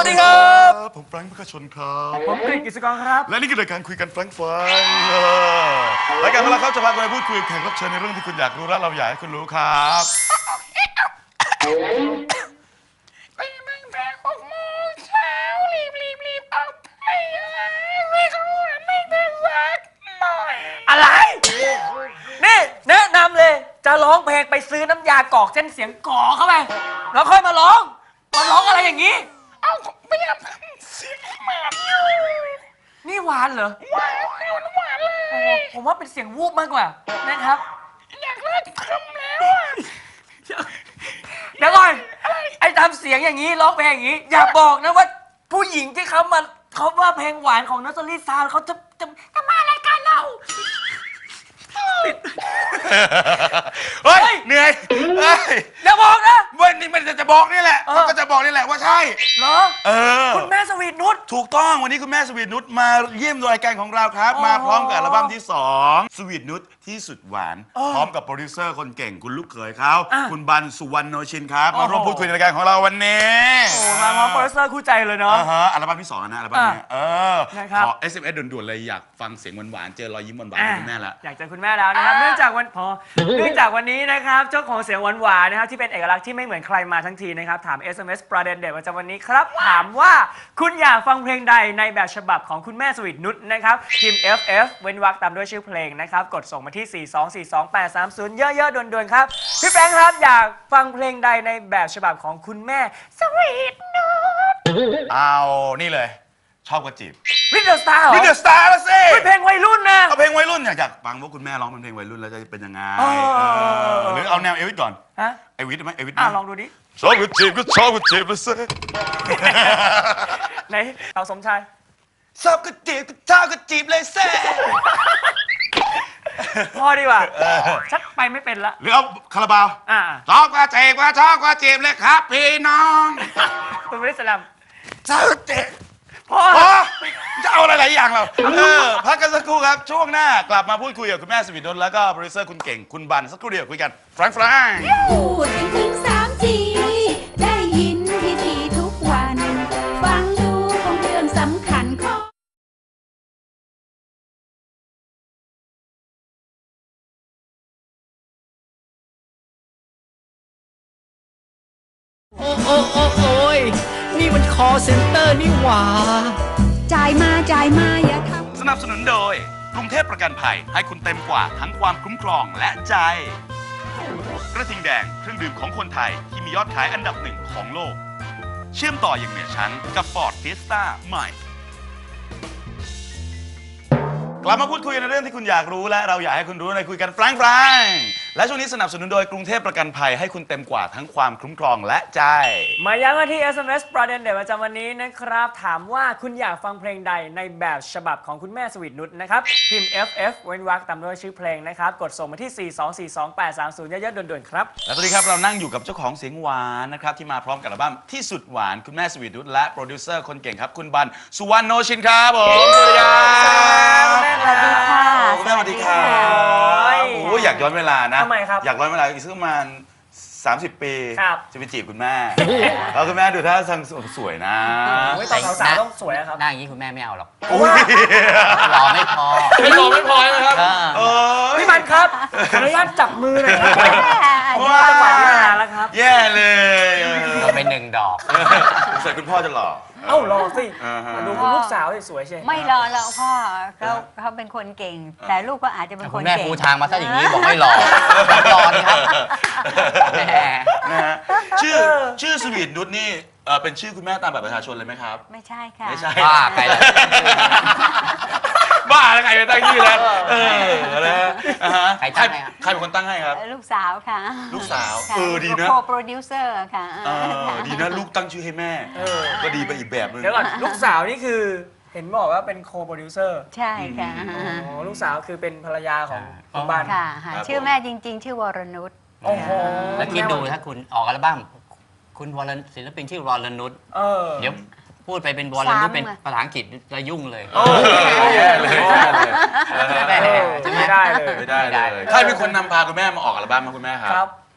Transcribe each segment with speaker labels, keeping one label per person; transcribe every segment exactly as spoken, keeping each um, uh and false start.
Speaker 1: วัสดีครับ
Speaker 2: ผมแฟรงค์พกชนครับ
Speaker 1: ผมกฤษกิจกรครับ
Speaker 2: และนี่คือรายการคุยกันแฟรงค์ฟังรายการของเราครับจะพาคุณไปพูดคุยกับแขกรับเชิญในเรื่องที่คุณอยากรู้และเราอยากให้คุณรู้ครับ
Speaker 3: ไปมั่งแต่หกโมงเช้ารีบรีบรีบเอาไปไม่รู้ไม่ได้สักหน่อย
Speaker 1: อะไรนี่แนะนำเลยจะร้องเพลงไปซื้อน้ำยากรอกเส้นเสียงก่อเข้าไปแล้วค่อยมาร้องมาร้องอะไรอย่างนี้
Speaker 3: เอาพยายามทำเสียงหมาดอยู่
Speaker 1: นี่หวานเหรอ
Speaker 3: หวานหวานหวานเลย
Speaker 1: ผมว่าเป็นเสียงวูบมากกว่านะครับ
Speaker 3: อยากเลิกทำแล้วอ่ะ
Speaker 1: เดี๋ยวก่อนไอ้ทำเสียงอย่างนี้ร้องเพลงอย่างนี้อย่าบอกนะว่าผู้หญิงที่เขามาเขาว่าเพลงหวานของนัสลี่ซาวเขาจะจะจะมารายการเรา
Speaker 2: เฮ้ยเหนื่อยเฮ้ย
Speaker 1: อย่าบอกนะ
Speaker 2: วันนี้มันจะบอกนี่แหละมันก็จะบอกนี่แหละว่าใช่
Speaker 1: เหรอ
Speaker 2: เออ
Speaker 1: คุณแม่สวีทนุช
Speaker 2: ถูกต้องวันนี้คุณแม่สวีทนุชมาเยี่ยมรายการของเราครับมาพร้อมกับอัลบั้มที่สองสวีทนุชที่สุดหวานพร้อมกับโปรดิวเซอร์คนเก่งคุณลูกเขยเขาคุณบันสุวรรณโนชินครับมาร่วมพูดคุยในรายการของเราวันนี้
Speaker 1: โอ้มาพร้อมโปรดิวเซอร์คู่ใจเลยเนาะ
Speaker 2: อัลบั้มที่สองนะอัลบั้มนี้เออขอ เอส เอ็ม เอส ด่วนๆเลยอยากฟังเสียงหวานๆเจอรอยยิ้มหวานๆของคุณแม่แล้ว
Speaker 1: อยากเจอคุณแม่แล้วนะครับเนื่องจากวันพอเนื่องจากวันนี้นะครับเจ้าของเสียงหวานๆนะครับที่เป็นเอกลักษณ์ที่ไม่เหมือนใครมาทั้งทีนะครับถาม เอส เอ็ม เอส ประเด็นเด็ดประจำวันนี้ครับถามว่าคุณอยากฟังเพลงใดในแบบฉบับของคุณแม่สวีทนุชนะครับพิมพ์ เอฟ เอฟ เว้นวรรคตามด้วยชื่อเพลงนะครับกดส่งมาที่สี่ สอง สี่ สอง แปด สาม ศูนย์เยอะๆด่วนๆครับพี่แฟรงค์ครับอยากฟังเพลงใดในแบบฉบับของคุณแม่สวีทนุช
Speaker 2: เอานี่เลยชอบกระจีบ
Speaker 1: วิดเดอร์สตาร์เหรอ
Speaker 2: วิดเดอร์สตาร์แล้วสิ
Speaker 1: เพลงวัยรุ่นนะ
Speaker 2: เอาเพลงวัยรุ่นอยากฟังว่าคุณแม่ร้องเป็นเพลงวัยรุ่นแล้วจะเป็นยังไงหรือเอาแนวเอวิสก่อน
Speaker 1: ฮะ
Speaker 2: เอวิสไหมเอวิส
Speaker 1: อ่ะลองดูดิ
Speaker 2: ชอบกระจีบก็ชอบกระจีบแล้วสิ
Speaker 1: ไหนเอาสมชาย
Speaker 2: ชอบกระจีบก็ชอบกระจีบเลยสิ
Speaker 1: พอดีกว่าชักไปไม่เป็นละ
Speaker 2: หรือเอาคาราบาว
Speaker 1: อ่า
Speaker 2: ชอบกระจีบก็ชอบกระจีบเลยครับพี่น้อง
Speaker 1: คุณบริสลัม
Speaker 2: ชอบกระจีบพอจะเอาอะไรหลายอย่างเราเออพักกันสักครู่ครับช่วงหน้ากลับมาพูดคุยกับคุณแม่สวีทนุชแล้วก็โปรดิวเซอร์คุณเก่งคุณบันสักครู่เดียวคุยกันแฟรงค์แฟรงค์
Speaker 4: พูดกันถึงสามทีได้ยินทีทีทุกวันฟังดูคงเรื่องสำคัญข้อ
Speaker 5: โอ้โอ้โอ้โอ้ยนี่มันคอเซ็นเตอร์นี่หว่า
Speaker 4: จ่ายมาจ่ายมาอย่าทำ
Speaker 2: สนับสนุนโดยกรุงเทพประกันภัยให้คุณเต็มกว่าทั้งความคุ้มครองและใจกระทิงแดงเครื่องดื่มของคนไทยที่มียอดขายอันดับหนึ่งของโลกเชื่อมต่ออย่างเหนือชั้นกับ Ford Fiesta ใหม่กลับมาพูดคุยในเรื่องที่คุณอยากรู้และเราอยากให้คุณรู้ในคุยกันแฟรงค์แฟรงค์และช่วงนี้สนับสนุนโดยกรุงเทพประกันภัยให้คุณเต็มกว่าทั้งความคุ้มครองและใจ
Speaker 1: มาย้ำกันที่ เอส เอ็ม เอส ประเด็นเด็ดประจำวันนี้นะครับถามว่าคุณอยากฟังเพลงใดในแบบฉบับของคุณแม่สวีทนุชนะครับพิมพ์ เอฟ เอฟ เว้นวรรคตามด้วยชื่อเพลงนะครับกดส่งมาที่สี่ สอง สี่ สอง แปด สาม ศูนย์เยอะๆด่วนๆครับ
Speaker 2: และตอนนี้ครับเรานั่งอยู่กับเจ้าของเสียงหวานนะครับที่มาพร้อมกับอัลบั้มที่สุดหวานคุณแม่สวีทนุชและโปรดิวเซอร์คนเก่งครับคุณบันสุวรรณโนชินครับผมสวัสดีครับ
Speaker 4: สวัสดีค่ะ
Speaker 2: แม่สวัสดีครับโอ้ยอยากย้อนเวลานะ
Speaker 1: ทำไมครับ
Speaker 2: อยากย้อนเวลาอีกสักประมาณสามสิบปีจะไปจีบคุณแม่ แล้วคุณแม่ดูท่าทางสวยนะ
Speaker 1: ตอนสาวๆต้องสวยครับ
Speaker 5: หน้าอย่างนี้คุณแม่ไม่เอาหรอก
Speaker 1: ห
Speaker 5: ล่อไม่พอ
Speaker 1: ไม่หล่อไม่พอใช่ไหมครับพี่บันครับขออนุญาตจับมือหน่อยครับว้าวจังหวะนี้นานแล้วครับ
Speaker 2: แย่เลย
Speaker 5: เราไปหนึ่งดอก
Speaker 2: ใส่คุณพ่อจะหล่อ
Speaker 1: เอ้ารอสิดูคุณลูกสาวสวยใช่
Speaker 4: ไม่รอแล้วพ่อเขาเขาเป็นคนเก่งแต่ลูกก็อาจจะเป็นคนเก่ง
Speaker 5: แม่ปูทางมาซะอย่างนี้บอกไม่รอรอนี่ครับ
Speaker 2: นะฮะชื่อชื่อสวีทนุชนี่เป็นชื่อคุณแม่ตามบัตรประชาชนเลยไหมครับ
Speaker 4: ไม่ใช่ค่ะ
Speaker 2: ไม่ใช่
Speaker 5: บ้าใครเลย
Speaker 2: บ้าแล้วใครไปตั้งชื่อแล้วเออนะฮะ
Speaker 5: ใครตั้งให้
Speaker 2: ใครเป็นคนตั้งให้ครับ
Speaker 4: ลูกสาวค่ะ
Speaker 2: ลูกสาวเออดีนะ
Speaker 4: โคโปรดิวเซอร์ค่ะ
Speaker 2: ดีนะลูกตั้งชื่อให้แม่ก็ดีไปอีกแบบนึง
Speaker 1: เดี๋ยวก่อนลูกสาวนี่คือเห็นบอกว่าเป็นโคโปรดิวเซอร์
Speaker 4: ใช่ค่ะ
Speaker 1: อ๋อลูกสาวคือเป็นภรรยาของคุณบ้าน
Speaker 4: ค่ะชื่อแม่จริงๆชื่อวรนุช
Speaker 1: โอ้โห
Speaker 5: แล้วคิดดูถ้าคุณออกอัลบั้มคุณวรศิลปินชื่อวรนุชเดี๋ยวพูดไปเป็นวรนุชเป็นภาษาอังกฤษจะยุ่งเลย
Speaker 2: โอ้แย่เลย
Speaker 1: ไม่ได้เลย
Speaker 2: ไม่ได้เลยใครเป็นคนนำพาคุณแม่มาออกอัลบั้มมาคุณแม่ครับ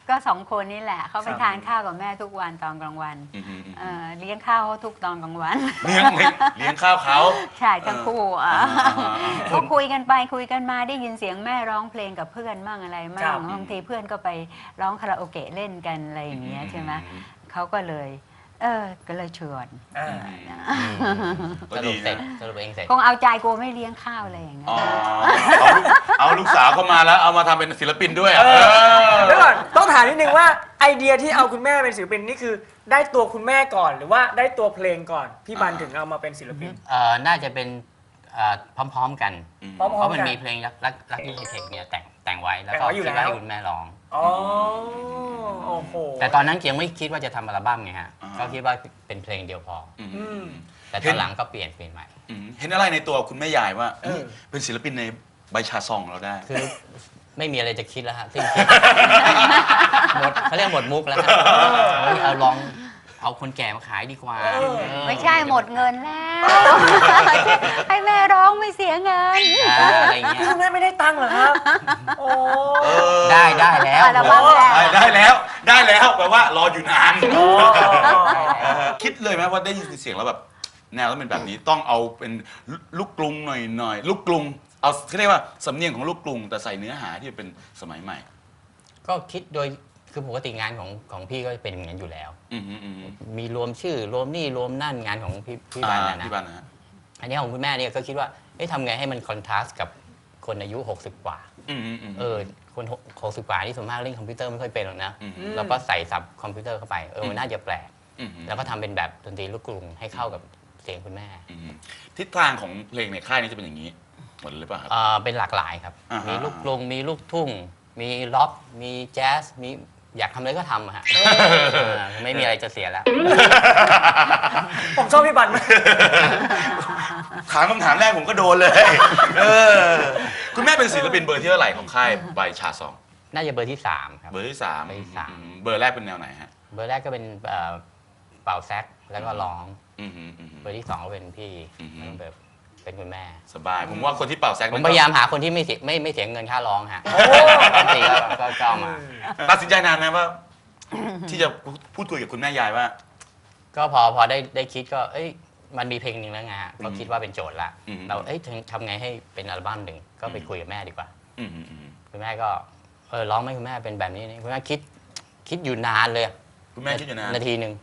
Speaker 6: ก็สองคนนี่แหละเขาไปทานข้าวกับแม่ทุกวันตอนกลางวัน
Speaker 2: อืมอืมอืม
Speaker 6: เอ่อเลี้ยงข้าวเขาทุกตอนกลางวัน
Speaker 2: เลี้ยงเลี้ยงเลี้ยงข้าวเขา
Speaker 6: ใช่ทั้งคู่อ่ะ
Speaker 2: อ่าอ่าอ่า
Speaker 6: ก็คุยกันไปคุยกันมาได้ยินเสียงแม่ร้องเพลงกับเพื่อนมั่งอะไร
Speaker 1: ค
Speaker 6: มั่
Speaker 1: รั
Speaker 6: ง
Speaker 1: บ
Speaker 6: บางทีเพื่อนก็ไปร้องคาราโอเกะเล่นกันอะไรอย่างเงี้ยใช่ไหมเขาก็เลย เออก็เลยชวน
Speaker 1: อ่า
Speaker 2: ก็
Speaker 5: ส
Speaker 2: ดี
Speaker 5: รุปเสร็จ
Speaker 2: นะ
Speaker 5: สรุปเองเสร็จ
Speaker 6: คงเอาใจกูไม่เลี้ยงข้าวอะไรอย่างเงี้ย
Speaker 2: อ๋อเอาลูกเอาลูกสาวเข้ามาแล้วเอามาทำเป็นศิลปินด้วยอ่ะ
Speaker 1: เออ
Speaker 2: เออ
Speaker 1: เดี๋ยวก่อนต้องถามนิดนึงว่าไอเดียที่เอาคุณแม่เป็นศิลปินนี่คือได้ตัวคุณแม่ก่อนหรือว่าได้ตัวเพลงก่อนพี่บันถึงเอามาเป็นศิลปิน
Speaker 5: เอ่อน่าจะเป็นเอ่อพร้อมๆกัน
Speaker 1: พร้อม
Speaker 5: เพราะมัน
Speaker 1: ๆกัน
Speaker 5: มีเพลงรักรักรักที่เทคเนี่ยแต่งแต่งไว้แล้ว
Speaker 1: แต่ง
Speaker 5: ก็
Speaker 1: ไว้อยู่
Speaker 5: คิด
Speaker 1: แล้ว
Speaker 5: ว่าให้คุณแม่ร้อง
Speaker 1: อ๋อโอ้โห
Speaker 5: แต่ตอนนั้นยังไม่คิดว่าจะทำอัลบั้มไงฮะ
Speaker 2: อ่า
Speaker 5: ก็คิดว่าเป็นเพลงเดียวพอ
Speaker 2: อืม
Speaker 1: อืม
Speaker 5: แต่ตอนหลังก็เปลี่ยนเปลี่ยนใหม่
Speaker 2: อืมเห็นอะไรในตัวคุณแม่ยายว่า
Speaker 1: เออ
Speaker 2: เป็นศิลปินในใบชาซองเราได้
Speaker 5: คือไม่มีอะไรจะคิดแล้วฮะสิ้นคิด หมดเขาเรียกหมดมุกแล้วฮะเฮ้ยเอาลองเอาคนแก่มาขายดีกว่า
Speaker 1: เออ
Speaker 5: เออ
Speaker 6: ไม่ใช่หมดเงินแล้ว ให้แม่ร้องไม่เสียเงิน
Speaker 5: อ่าอะไรอย่างเงี้
Speaker 1: นี่
Speaker 5: ย
Speaker 1: คุณแม่ไม่ได้ตังค์เหรอครับ โอ้
Speaker 2: เออ
Speaker 5: ได้ได้แล้ว
Speaker 6: อัลบั้มแรก
Speaker 2: ได้ได้แล้ว ได้แล้วแปลว่ารออยู่นานเออคิดเลยไหมว่าได้ยินเสียงแล้วแบบ แนวต้องเป็นแบบนี้ต้องเอาเป็นลูกกรุงหน่อยหน่อยลูกกรุงเอาเขาเรียกว่าสำเนียงของลูกกรุงแต่ใส่เนื้อหาที่เป็นสมัยใหม่
Speaker 5: ก็คิดโดยคือปกติงานของของพี่ก็เป็นอย่างนั้นอยู่แล้ว
Speaker 2: อืมอืมอืม
Speaker 5: มีรวมชื่อรวมนี่รวมนั่นงานของพี่พี่
Speaker 2: อ่า
Speaker 5: บานนะนะ
Speaker 2: พี่บันนะฮะ
Speaker 5: อันนี้ของคุณแม่เนี่ยก็คิดว่าเอ๊ะทำไงให้มันคอนทราสต์กับคนอายุ หกสิบ กว่า
Speaker 2: อืมอืมอืม
Speaker 5: เออคนหกสิบกว่าที่ส่วนมากเล่นคอมพิวเตอร์ไม่ค่อยเป็นหรอกนะ
Speaker 2: อืม
Speaker 5: แล้วก็ใส่ซับคอมพิวเตอร์เข้าไปเออมันน่าจะแปลก
Speaker 2: อืมอืม
Speaker 5: แล้วก็ทำเป็นแบบดนตรีลูกกรุงให้เข้ากับเสียงคุณแม่
Speaker 2: อืมทิศทางของเพลงในค่ายนี้จะเป็นอย่างนี้หมดเลยป่ะครับ
Speaker 5: เออเป็นหลากหลายครับ
Speaker 2: อ่าฮะ
Speaker 5: มีลูกกรุงมีลูกทุ่ง มีล็อกมีแจ๊สมีอยากทำอะไรก็ทำอะฮะเออไม่มีอะไรจะเสียแล้ว
Speaker 1: ผมชอบพี่บันมาก
Speaker 2: ถามคำถามแรกผมก็โดนเลย เออ คุณแม่เป็นศิลปินเบอร์ที่เท่าไหร่ของค่ายใบชาซอง
Speaker 5: น่าจะเบอร์ที่สามครับ
Speaker 2: เบอร์ที่สาม
Speaker 5: เบอร์ที่สาม
Speaker 2: อืมเบอร์แรกเป็นแนวไหนฮะ
Speaker 5: เบอร์แรกก็เป็นเอ่อเป่าแซกแล้วก็ร้อง
Speaker 2: อืมอืมอืม
Speaker 5: เบอร์ที่สองก็เป็นพี่
Speaker 2: อือฮึ
Speaker 5: แล้วก็แบบเป็นคุณแม่
Speaker 2: สบาย ผมว่าคนที่เป่าแซก
Speaker 5: ผม
Speaker 2: นั่น
Speaker 5: พ
Speaker 2: ก็
Speaker 5: ยายามหาคนที่ไม่เสียไม่ไม่เสียเงินค่าร้องฮะ
Speaker 1: โอ้
Speaker 5: ปกติก็ก็ก็เอามา
Speaker 2: ตัดสินใจนานไหมว่า ที่จะพูดคุยกับคุณแม่ยายว่า
Speaker 5: ก็พอพอได้ได้คิดก็เอ้ยมันมีเพลงหนึ่งแล้วไงฮะก็คิดว่าเป็นโจทย์ละ
Speaker 2: อืม
Speaker 5: เราเอ้ยทำทำไงให้เป็นอัลบั้มหนึ่งก็ไปคุยกับแม่ดีกว่า
Speaker 2: อืมอืมอืม
Speaker 5: คุณแม่ก็เออร้องไหมคุณแม่เป็นแบบนี้นี่คุณแม่คิดคิดอยู่นานเลย
Speaker 2: คุณแม่คิดอยู่นาน
Speaker 5: นาทีหนึ่ง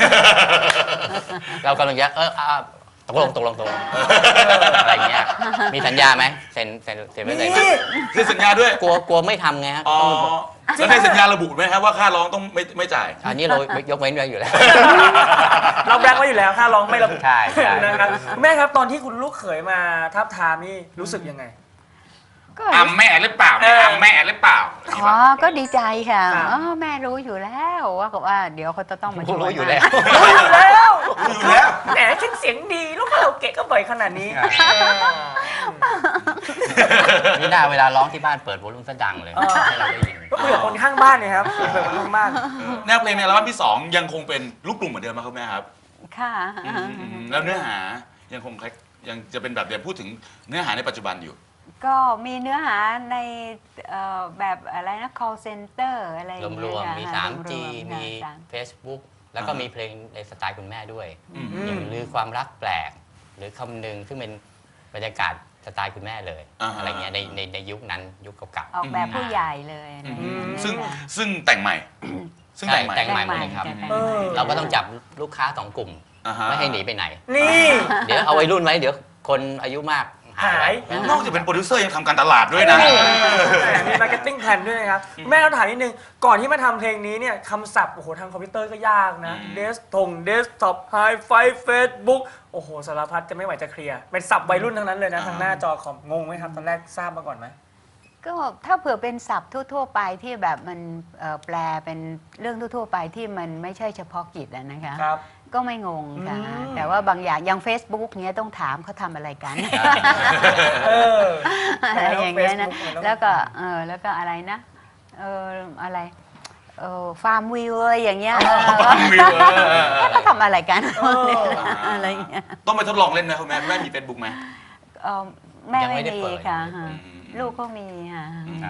Speaker 5: เรากำลังจะเอออ่ะตกลงตกลงตกลงอะไรเงี้ยมีสัญญาไหมเซ็นเซ็นเซ็นไว้เลยไหม
Speaker 1: นี่
Speaker 2: คือสัญญาด้วย
Speaker 5: กลัวกลัวไม่ทำไงฮะ
Speaker 2: อ๋อ
Speaker 5: ต้อง
Speaker 2: แล้วในสัญญาระบุไหมครับว่าค่าร้องต้องไม่ไม่จ่าย
Speaker 5: อันนี้เรายกเว้นไว้อยู่แล้ว
Speaker 1: เราแบงค์ไว้อยู่แล้วค่าร้องไม่ระบุ
Speaker 5: ใช่ใช่
Speaker 1: นะครับคุณแม่ครับตอนที่คุณลูกเขยมาทับทามนี่รู้สึกยังไง
Speaker 6: ก็
Speaker 3: อ่ำแม่หรือเปล่า
Speaker 1: เออ
Speaker 3: อ่ำแม่หรือเปล่า
Speaker 6: อ๋อก็ดีใจค่ะ
Speaker 1: ครับ
Speaker 6: อ๋อแม่รู้อยู่แล้วว่าว่าเดี๋ยวเขาจะต้องมาชวน
Speaker 5: รู้อยู่แล้ว
Speaker 1: รู้อยู่แล้ว
Speaker 2: รู้อยู่แล้ว
Speaker 1: แหมฉันเสียงดีลูกเราเกะก็บ่อยขนาดนี้
Speaker 5: นี่น่าเวลาร้องที่บ้านเปิดวอลลุ่มซะดังเลย
Speaker 1: เออ
Speaker 5: ให้เราได้ยิน
Speaker 1: ก็คุยกับคนข้างบ้านเนี่ยครับคุยกับคนข้างบ้าน
Speaker 2: แนวเพลงในอัลบั้มที่สองยังคงเป็นลูกกลุ่มเหมือนเดิมไหมครับแม่ครับ
Speaker 6: ค่ะ
Speaker 2: แล้วเนื้อหายังคงคล้ายยังจะเป็นแบบเดิมพูดถึงเนื้อหาในปัจจุบันอยู่
Speaker 6: ก็มีเนื้อหาในเอ่อแบบอะไรนะ call center อะไรอ
Speaker 5: ร
Speaker 6: ย่าง
Speaker 5: ว
Speaker 6: เงี้ย
Speaker 5: ม
Speaker 6: ค่ะ
Speaker 5: ๆมี
Speaker 6: รว
Speaker 5: ทรี
Speaker 6: ม
Speaker 5: จี
Speaker 6: ๆ
Speaker 5: มี
Speaker 6: ค่ะ
Speaker 5: Facebook แล้วก็มีเพลงในสไตล์คุณแม่ด้วย
Speaker 2: อืม
Speaker 5: อย่างลือความรักแปลก หรือคำหนึ่งซึ่งเป็นบรรยากาศสไตล์คุณแม่เลย
Speaker 2: อ่าฮะ
Speaker 5: อะไรเงี้ยในในในยุคนั้นยุคเก่า
Speaker 6: ออกแบบผู้ใหญ่เลยอะไรอย่าง
Speaker 2: อื
Speaker 6: เงี้
Speaker 2: ม
Speaker 6: ย
Speaker 2: ซึ่งซึ่งแต่งใหม่ ซึ่งแต่งใหม่
Speaker 5: แต่งใหม่หมดเลยครับ
Speaker 6: แต่งใหม่
Speaker 1: เออ
Speaker 5: เราก็ต้องจับลูกค้าสองกลุ่ม
Speaker 2: อ่าฮะ
Speaker 5: ไม่ให้หนีไปไหน
Speaker 1: นี่
Speaker 5: เดี๋ยวเอาไว้รุ่นไว้เดี๋ยวคนอายุมากหาย
Speaker 1: หาย
Speaker 5: ไป
Speaker 2: นอกจากเป็นโปรดิวเซอร์ยังทำการตลาดด้วยนะ
Speaker 1: แหมมีมาร์เก็ตติ้งแพลนด้วยนะครับแม่เราถามนิดนึง ก่อนที่มาทำเพลงนี้เนี่ยคำศัพท์โอ้โหทางคอมพิวเตอร์ก็ยากนะ
Speaker 2: อืม
Speaker 1: เดสทงเดสท็อปไฮไฟเฟซบุ๊กโอ้โหสารพัดจะไม่ไหวจะเคลียร์ เป็นศัพท์วัยรุ่นทั้งนั้นเลยนะ ทางหน้าจอคอมงงไหมครับ ตอนแรกทราบมาก่อนไหม
Speaker 6: ก็ถ้าเผื่อเป็นศัพท์ทั่วๆไปที่แบบมันเอ่อแปลเป็นเรื่องทั่วๆไปที่มันไม่ใช่เฉพาะกิจอะนะคะ
Speaker 1: ครับ
Speaker 6: ก็ไม่งงค่ะ
Speaker 1: อืม
Speaker 6: แต่ว่าบางอย่างอย่าง Facebook เนี้ยต้องถามเขาทำอะไรกัน
Speaker 1: เออ
Speaker 6: อะไรอย่างเงี้ยนะ
Speaker 1: Facebook
Speaker 6: แล้วก็เออแล้วก็อะไรนะเอออะไรเออฟาร์มวิวอะไรอย่างเงี้ย
Speaker 2: วิวเออเออเออ
Speaker 6: ก็ทำอะไรกัน
Speaker 1: เออ
Speaker 6: อะไรอย่างเงี้ย
Speaker 2: ต้องไปทดลองเล่นนะคุณแม่คุณแม่มีเฟซบุ๊กไหม
Speaker 6: เออแม่
Speaker 5: ยังไม่
Speaker 6: ไม่
Speaker 5: ได้
Speaker 6: มี
Speaker 5: เปิด
Speaker 6: ค่ะ
Speaker 2: อืม
Speaker 6: ลูกก็มีค่ะ
Speaker 2: อืม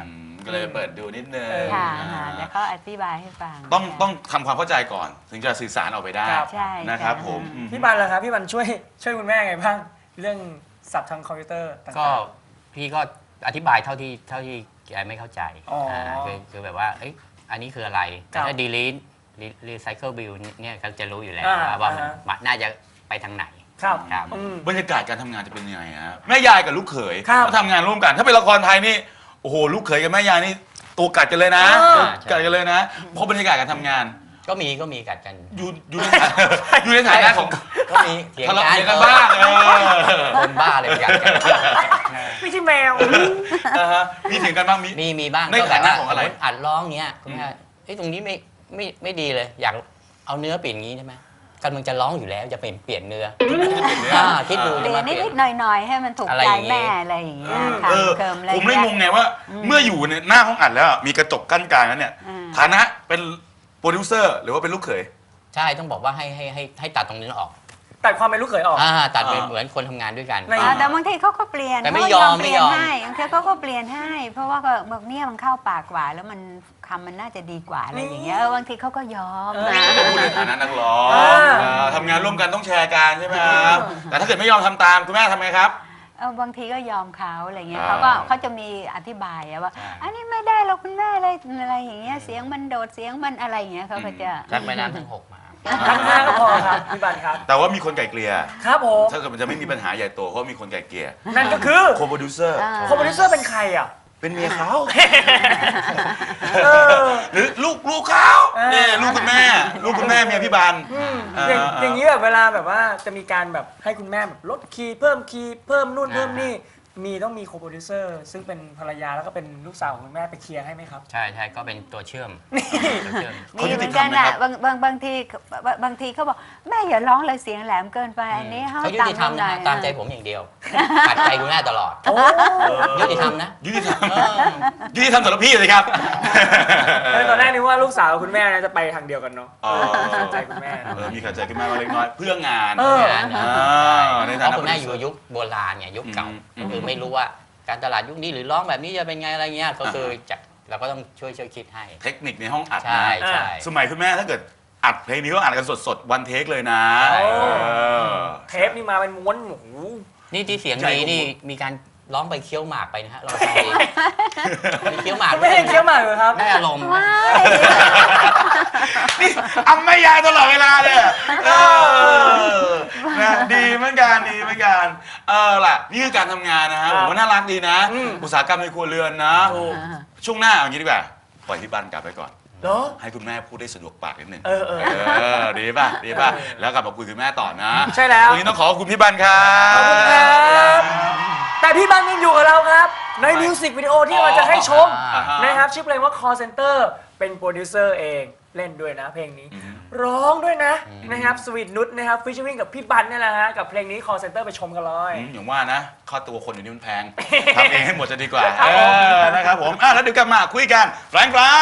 Speaker 2: ก็เลยเปิดดูนิดนึง
Speaker 6: ค่ะ
Speaker 2: อ่า
Speaker 6: ค่ะแล้วเขาอธิบายให้ฟัง
Speaker 2: ต้องต้องทำความเข้าใจก่อน ถึงจะสื่อสารออกไปได้
Speaker 1: ครับ
Speaker 6: ใช่
Speaker 2: นะครับ
Speaker 6: ค่ะ
Speaker 2: ผมอืม
Speaker 1: พี่บันล่ะครับพี่บันช่วยช่วยคุณแม่ไงบ้างเรื่องศัพท์ทางคอมพิวเตอร์ต่างๆ
Speaker 5: ก็พี่ก็อธิบายเท่าที่เท่าที่แกไม่เข้าใจ
Speaker 1: อ๋ออ่
Speaker 5: าคือคือแบบว่าเอ้ยอันนี้คืออะไร แต่
Speaker 1: ครับ
Speaker 5: ถ้า delete recycle bill เนี่ยก็จะรู้อยู่แล้ว
Speaker 1: อ่า
Speaker 5: ว่ามัน
Speaker 1: อ่าฮะ
Speaker 5: มันน่าจะไปทางไหน
Speaker 1: ครับ
Speaker 5: ครับ
Speaker 1: อืม
Speaker 2: บรรยากาศการทำงานจะเป็นยังไงฮะแม่ยายกับลูกเขย
Speaker 1: ครับ
Speaker 2: เขาทำงานร่วมกัน ถ้าเป็นละครไทยนี่โอ้โหลูกเขยกับแม่ยายนี่ตัวกัดกันเลยนะ
Speaker 1: เออ
Speaker 2: ตัวกัดกันเลยนะเพราะบรรยากาศการทำงาน
Speaker 5: ก็มีก็มีกัดกัน
Speaker 2: อยู่อยู่ในฐานะอยู่ในฐานะของ
Speaker 5: ก็มีเถียง
Speaker 2: ทะเลาะ
Speaker 5: กัน
Speaker 2: เถียงกันบ้างเออ
Speaker 5: คนบ้าเลยกัดกัน
Speaker 1: ไม่ใช่แมว
Speaker 2: อ่าฮะมีเถียงกันบ้างมี
Speaker 5: มีมีบ้าง
Speaker 2: ใน
Speaker 5: ก็แบบ
Speaker 2: ฐานะ
Speaker 5: ว่า
Speaker 2: ของอะไร
Speaker 5: สมมุติอัดร้องเงี้ยคุณแม่เอ้ยตรงนี้ไม่ไม่ไม่ดีเลย อยากเอาเนื้อเปลี่ยนงี้ใช่ไหมกำลังจะร้องอยู่แล้วจะเป็นเปลี่ยนเนื้ออ่าคิดดู
Speaker 6: เป
Speaker 5: จะ
Speaker 6: ลี่ย
Speaker 5: มาน เปลี่ย
Speaker 6: นิ
Speaker 5: น
Speaker 6: ดๆหน่อยๆ ให้มันถูก
Speaker 5: อะไร
Speaker 6: ใจ
Speaker 5: อย่างงี้
Speaker 6: แม่อะไรอย่างเงี้ยค่ะ
Speaker 2: เออ
Speaker 6: เคิมอะไร
Speaker 2: ผมเลยงงไงว่า เมื่ออยู่ในหน้าห้องอัดแล้วมีกระจกกั้นกลางนั้นเนี่ย
Speaker 6: อืม
Speaker 2: ฐานะเป็นโปรดิวเซอร์หรือว่าเป็นลูกเขย
Speaker 5: ใช่ต้องบอกว่าให้ให้ให้ให้ตัดตรงนี้ออก
Speaker 1: ตัดความเป็นลูกเขยออก
Speaker 5: อ่าตัดเป็น
Speaker 2: อ่า
Speaker 5: เหมือนคนทำงานด้วยกัน
Speaker 1: ไม่
Speaker 6: อ่าแต่บางทีเขาก็เปลี่ยน
Speaker 5: แต่ไม่
Speaker 6: เขา
Speaker 5: ยอม
Speaker 6: เปลี่ยน
Speaker 5: ไม่ยอม
Speaker 6: ให้บางทีเขาก็เปลี่ยนให้ เพราะว่าก็บอกเนี่ยมันเข้าปากกว่า แล้วมันคำมันน่าจะดีกว่าอะไรอย่างเงี้ยเออบางทีเขาก็ยอม
Speaker 1: เออ
Speaker 6: นะ
Speaker 2: พูดในฐานะนักร้อง
Speaker 1: อ่า
Speaker 2: เออทำงานร่วมกันต้องแชร์กันใช่ไหมครับแต่ถ้าเกิดไม่ยอมทำตามคุณแม่ทำไงครับ
Speaker 6: เออบางทีก็ยอมเขาอะไรเงี้ย
Speaker 2: อ่า
Speaker 6: เขาก็เขาจะมีอธิบายอะว่า
Speaker 5: ใช่
Speaker 6: อันนี้ไม่ได้เราคุณแม่อะไรอะไรอย่างเงี้ยเสียงมันโดดเสียงมันอะไรอย่างเงี้ยเขาก็จะ
Speaker 5: ชักแม่น้ำทั้งหกมา
Speaker 1: ทั้งห้าก็พอครับพี่บันครับ
Speaker 2: แต่ว่ามีคนไก่เกลี่ย
Speaker 1: ครับผม
Speaker 2: ถ้าเกิดมันจะไม่มีปัญหาใหญ่โตเพราะว่ามีคนไก่เกลี่ย
Speaker 1: นั่นก็คือ
Speaker 2: โคโปรดิวเซอร์
Speaker 6: อ่า
Speaker 1: โคโปรดิวเซอร์เป็นใครอ่ะ
Speaker 2: เป็นเมียเขา
Speaker 1: เออ
Speaker 2: หรือลูกลูกเขา
Speaker 1: เออ
Speaker 2: เนี่ยลูกคุณแม่ ลูกคุณแม่เมียพี่บัน
Speaker 1: อืม
Speaker 2: อ่า
Speaker 1: อย่าง
Speaker 2: อ่า
Speaker 1: อย่างนี้แบบเวลาแบบว่าจะมีการแบบให้คุณแม่แบบลดคีย์เพิ่มคีย์เพิ่มนู่นเพิ่มนี่มีต้องมีโคโปรดิวเซอร์ซึ่งเป็นภรรยาแล้วก็เป็นลูกสาวของคุณแม่ไปเคลียร์ให้ไหมครับ
Speaker 5: ใช่ใช่ก็เป็นตัวเชื่อมตัวเชื่อม
Speaker 6: มีเหมือนกันอ่ะบางบางบางทีบางบางทีเขาบอกแม่อย่าร้องเลยเสียงแหลมเกินไปอันนี้ให้
Speaker 5: เขายุติธรรม
Speaker 6: ห
Speaker 5: นะ
Speaker 6: น่อ
Speaker 5: ฮะ
Speaker 6: ย
Speaker 5: ตามใจผมอย่างเดียวขัดใจคุณแม่ตลอด
Speaker 1: โอ้
Speaker 5: ยุติธรรมนะ
Speaker 2: ยุติธรรม
Speaker 5: เออ
Speaker 2: ยุติธรรมสำหรับพี่เลยครับ
Speaker 1: เออตอนแรกนึกว่าลูกสาวกับคุณแม่เนี่ยจะไปทางเดียวกันเนาะ
Speaker 2: อ๋อ
Speaker 1: ขัดใจคุณแม่
Speaker 2: เออมีขัดใจคุณแม่มาเล็กน้อยเพื่องาน
Speaker 1: เออ
Speaker 5: งานนะ
Speaker 2: อ่าใน
Speaker 5: เพ
Speaker 2: ฐานะ
Speaker 5: ราะคุณแม่อยู่ยุคโบราณเนี่ยยุคเก่า
Speaker 2: อืม
Speaker 5: ก็คือไม่รู้ว่าการตลาดยุคนี้หรือร้องแบบนี้จะเป็นไงอะไรเงี้ยก็คือจะเราก็ต้องช่วยช่วยคิดให้
Speaker 2: เทคนิคในห้องอัด
Speaker 5: ใช่
Speaker 2: นะ
Speaker 5: ใช่
Speaker 2: สมัยคุณแม่ถ้าเกิดอัดเพลงนี้ก็อัดกันสดๆวันเทคเลยนะ
Speaker 5: ใช่
Speaker 2: เออ
Speaker 1: เทปนี่มาเป็นม้วนโอ้โห
Speaker 5: นี่ที่เสียง
Speaker 2: ใหญ่
Speaker 5: ดี
Speaker 2: กว่า
Speaker 5: นี่มีการร้องไปเคี้ยวหมากไปนะฮะเราฟังดีมีเคี้ยวหมาก
Speaker 1: คุณแม่ยังเคี้ยวหมากอยู่ครับ
Speaker 5: ได้อารมณ์
Speaker 6: ว้าย
Speaker 2: นี่อำไม่ยายตลอดเวลาเลยอะเออนะดีเหมือนกันดีเหมือนกันเออล่ะนี่คือการทำงานนะฮะผมว่าน่ารักดีนะ
Speaker 1: อืม
Speaker 2: อุตสาหกรรมในครัวเรือนนะ
Speaker 1: ถูก
Speaker 2: ช่วงหน้าเอางี้ดีกว่าปล่อยพี่บันกลับไปก่อน
Speaker 1: เหรอ
Speaker 2: ให้คุณแม่พูดได้สะดวกปากนิดหนึ่ง
Speaker 1: เออเออ
Speaker 2: เออดีป่ะดีป่ะแล้วกลับมาคุยกับคุณแม่ต่อนะ
Speaker 1: ใช่แล้ว
Speaker 2: วันนี้ต้องขอขอบคุณพี่บันครับ
Speaker 1: ขอบคุณครับ แต่พี่บังยังอยู่กับเราครับ ในมิวสิกวิดีโอที่เราจะให้ชม
Speaker 2: อ่าฮะ
Speaker 1: นะครับชื่อเพลงว่า Call Center เป็นโปรดิวเซอร์เองเล่นด้วยนะเพลงนี้
Speaker 2: อืม
Speaker 1: ร้องด้วยนะนะครับสวีทนุชนะครับฟิชเชอร์วิ่งกับพี่บันนี่แหละฮะกับเพลงนี้ Call Center ไปชมกันเลย
Speaker 2: อืมอย่างว่านะค่าตัวคนอยู่นี่มันแพง ทำเองให้หมดจะดีกว่า
Speaker 1: ครับ
Speaker 2: เอ
Speaker 1: ผม
Speaker 2: อนะครับผมอ่ะแล้วเดี๋ยวกลับมาคุยกันแฟรงค์ไฟร์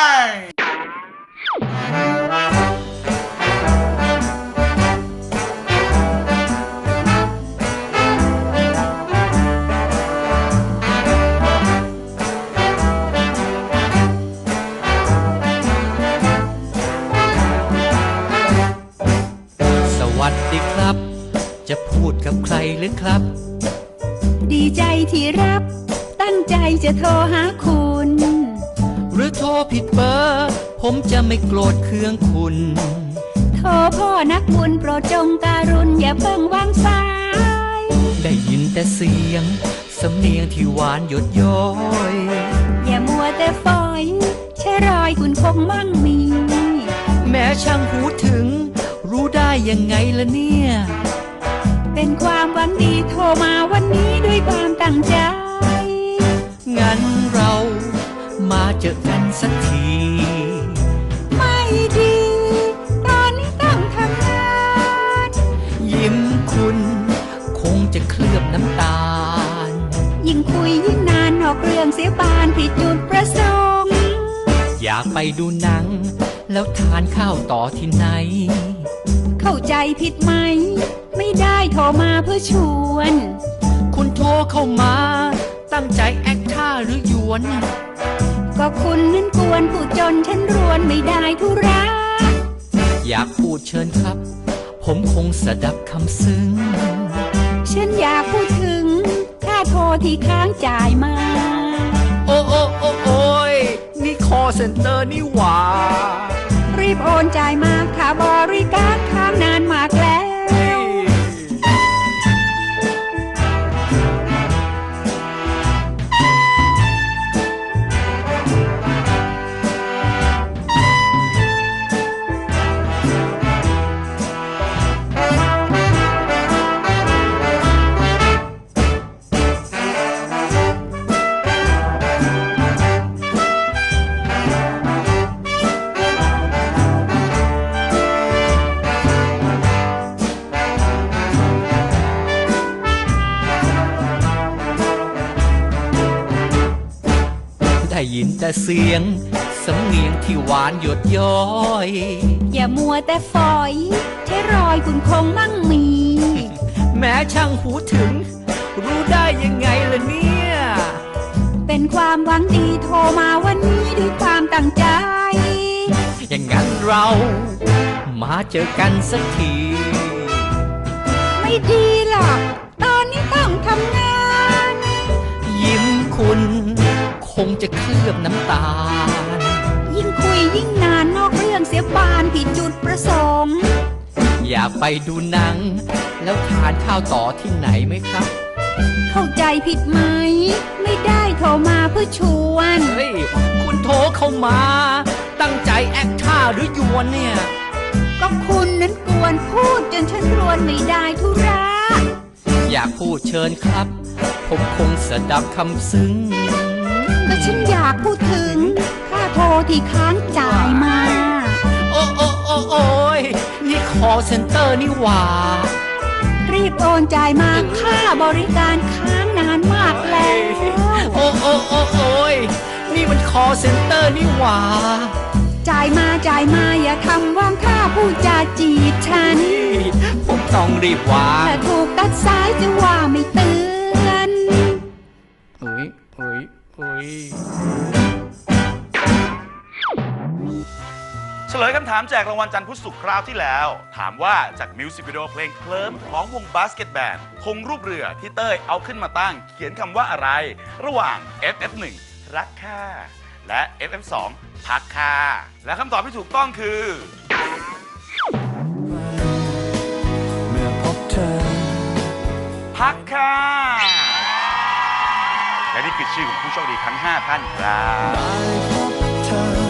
Speaker 7: สวัสดีครับ จะพูดกับใครหรือครับ
Speaker 4: ดีใจที่รับ ตั้งใจจะโทรหาคุณ
Speaker 7: หรือโทรผิดเบอร์ ผมจะไม่โกรธเคืองคุณ
Speaker 4: โทรพ่อนักบุญโปรดจงการุณอย่าเพิ่งวางสาย
Speaker 7: ได้ยินแต่เสียง สำเนียงที่หวานหยดย้อย
Speaker 4: อย่ามัวแต่ฝอยใช่รอยคุณคงมั่งมี
Speaker 7: แม้ช่างหูถึง รู้ได้ยังไงล่ะเนี่ย
Speaker 4: เป็นความหวังดีโทรมาวันนี้ด้วยความตั้งใจ
Speaker 7: งั้นเรามาเจอกันสักที
Speaker 4: ไม่ดี ตอนนี้ต้องทำงาน
Speaker 7: ยิ้มคุณคงจะเคลือบน้ำตาล
Speaker 4: ยิ่งคุยยิ่งนานนอกเรื่องเสียบานผิดจุดประสงค์
Speaker 7: อยากไปดูหนัง แล้วทานข้าวต่อที่ไหน
Speaker 4: เข้าใจผิดไหม ไม่ได้โทรมาเพื่อชวน
Speaker 7: คุณโทรเข้ามา ตั้งใจแอคท่าหรือหยวน
Speaker 4: ถก็คุณนั้นกวนผู้จนฉันรวนไม่ได้ทุระ
Speaker 7: อยากพูดเชิญครับ ผมคงสดับคำซึ้ง
Speaker 4: ฉันอยากพูดถึงค่าโทรที่ค้างจ่ายมา
Speaker 7: โอ้โอ้โอ้โอ้ยนี่คอเซ็นเตอร์นี่หว่า
Speaker 4: รีบโอนจ่ายมาค่าบริการค้างนานมากแล้ว
Speaker 7: ได้ยินแต่เสียงสำเนียงที่หวานหยดย้อย
Speaker 4: อย่ามัวแต่ฝอยใช้รอยคุณคงมั่งมี
Speaker 7: แม้ช่างหูถึง รู้ได้ยังไงล่ะเนี่ย
Speaker 4: เป็นความหวังดีโทรมาวันนี้ด้วยความตั้งใจ
Speaker 7: อย่างนั้นเรามาเจอกันสักที
Speaker 4: ไม่ดีหรอกตอนนี้ต้องทำงาน
Speaker 7: ยิ้มคุณคงจะเคลือบน้ำตาล
Speaker 4: ยิ่งคุยยิ่งนานนอกเรื่องเสียบานผิดจุดประสงค์
Speaker 7: อยากไปดูหนัง แล้วทานข้าวต่อที่ไหนไหมครับ
Speaker 4: เข้าใจผิดไหม ไม่ได้โทรมาเพื่อชวน
Speaker 7: เฮ้ย คุณโทรเข้ามา ตั้งใจแอคท่าหรือยวนเนี่ย
Speaker 4: ก็คุณนั้นกวนพูดจนฉันรวนไม่ได้ทุระ
Speaker 7: อยากพูดเชิญครับ ผมคงสดับคำซึ้ง
Speaker 4: ก็ฉันอยากพูดถึงค่าโทรที่ค้างจ่ายมา
Speaker 7: โอ้โอ้โอ้โอ้ยนี่คอเซ็นเตอร์นี่หว่า
Speaker 4: รีบโอนจ่ายมาค่าบริการค้างนานมากแล้ว
Speaker 7: โอ้โอ้โอ้โอ้ยนี่มันคอเซ็นเตอร์นี่หว่า
Speaker 4: จ่ายมาจ่ายมาอย่าทำว่างค่าผู้จาจีบฉัน
Speaker 7: ผมต้องรีบวาง
Speaker 4: ถ้าถูกตัดสายจะว่าไม่เตือน
Speaker 7: อุ้ยอุ้ยอุ้ย
Speaker 2: เฉลยคำถามแจกรางวัลจันทร์พุธศุกร์คราวที่แล้ว ถามว่าจากมิวสิกวิดีโอเพลงเคลิ้มของวงบาสเกตแบนด์คงรูปเรือที่เต้ยเอาขึ้นมาตั้ง เขียนคำว่าอะไร ระหว่าง เอฟ เอฟ หนึ่ง รักค่าและ เอฟ เอฟ สอง พักค่าและคำตอบที่ถูกต้องคือ
Speaker 8: เมื่อพบเธอ
Speaker 2: พักค่าและนี่คือชื่อของผู้โชคดีทั้งห้าท่านครับ
Speaker 8: ได้พบเธอ